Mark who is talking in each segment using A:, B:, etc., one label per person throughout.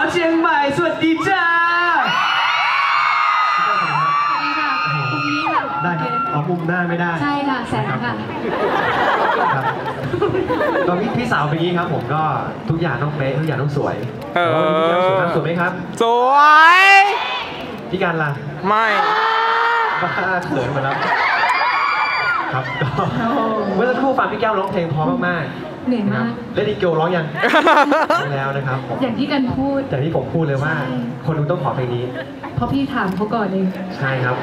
A: เชียงใหม่สวัสดีจ้า
B: สวัสดีค่ะมุมนี้ค่ะ
A: ได้ครับเอามุมหน้าไม่ได้
B: ใช่ค่ะแสงค่ะ
A: ครับก็พี่สาวเป็นอย่างนี้ครับผมก็ทุกอย่างต้องเป๊ะทุกอย่างต้องสวยพี่การสวยไหมครับ
C: สวย
A: พี่การล่ะ
C: ไม่
A: บ้าเขินมาแล้วครับก็เมื่อสักครู่ฟังพี่แก้วร้องเพลงเพราะมากๆ
B: เหนื่อยมาก
A: และดีเกลร้องยังแล้วนะครับ
B: อย่างที่กันพูด
A: อย่างที่ผมพูดเลยว่าคนดูต้องขอเพลงนี้
B: เพราะพี่ถามเขาก่อนเอง
A: ใช่ครับ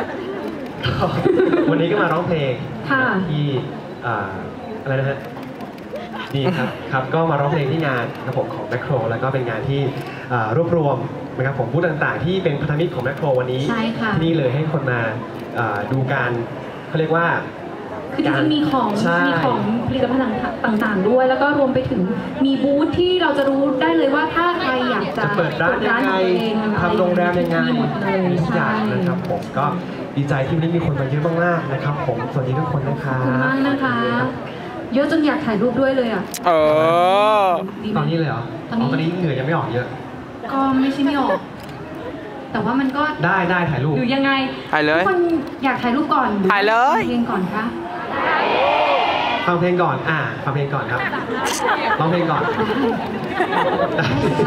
A: วันนี้ก็มาร้องเพลงที่อะไรนะฮะดีครับก็มาร้องเพลงที่งานนะครับผมของแมคโครแล้วก็เป็นงานที่รวบรวมนะครับผมผู้ต่างๆที่เป็นพันธมิตรของแมคโครวันนี้ที่นี่เลยให้คนมาดูการเขาเรียกว่า
B: คือจริงๆมีของผลิตภัณฑ์ต่างๆด้วยแล้วก็รวมไปถึงมีบูธที่เราจะรู้ได้เลยว่าถ้าใครอยากจะ
A: เปิดร้านยังไงทำโรงแรมยังไงมีทุกอย่างนะครับผมก็ดีใจที่นี่มีคนมาเยอะมากๆนะครับผมสวัสดีทุกคนนะครับ
B: ขอบคุณมากนะคะเยอะจนอยากถ่ายรูปด้วยเลยอ่ะ
A: ตอนนี้เลยเหรอตอนนี้เหงื่อยังไม่ออกเยอะ
B: ก็ไม่ใช่ไม่ออกแต่ว่ามันก็
A: ได้ถ่ายรูป
B: หรือยังไง
C: ถ่ายเลย
B: ทุกคนอยากถ่ายรูปก่อน
C: ถ่ายเลย
B: เพลงก่อนคะ
A: ฟังเพลงก่อนฟังเพลงก่อนครับร้องเพลงก่อน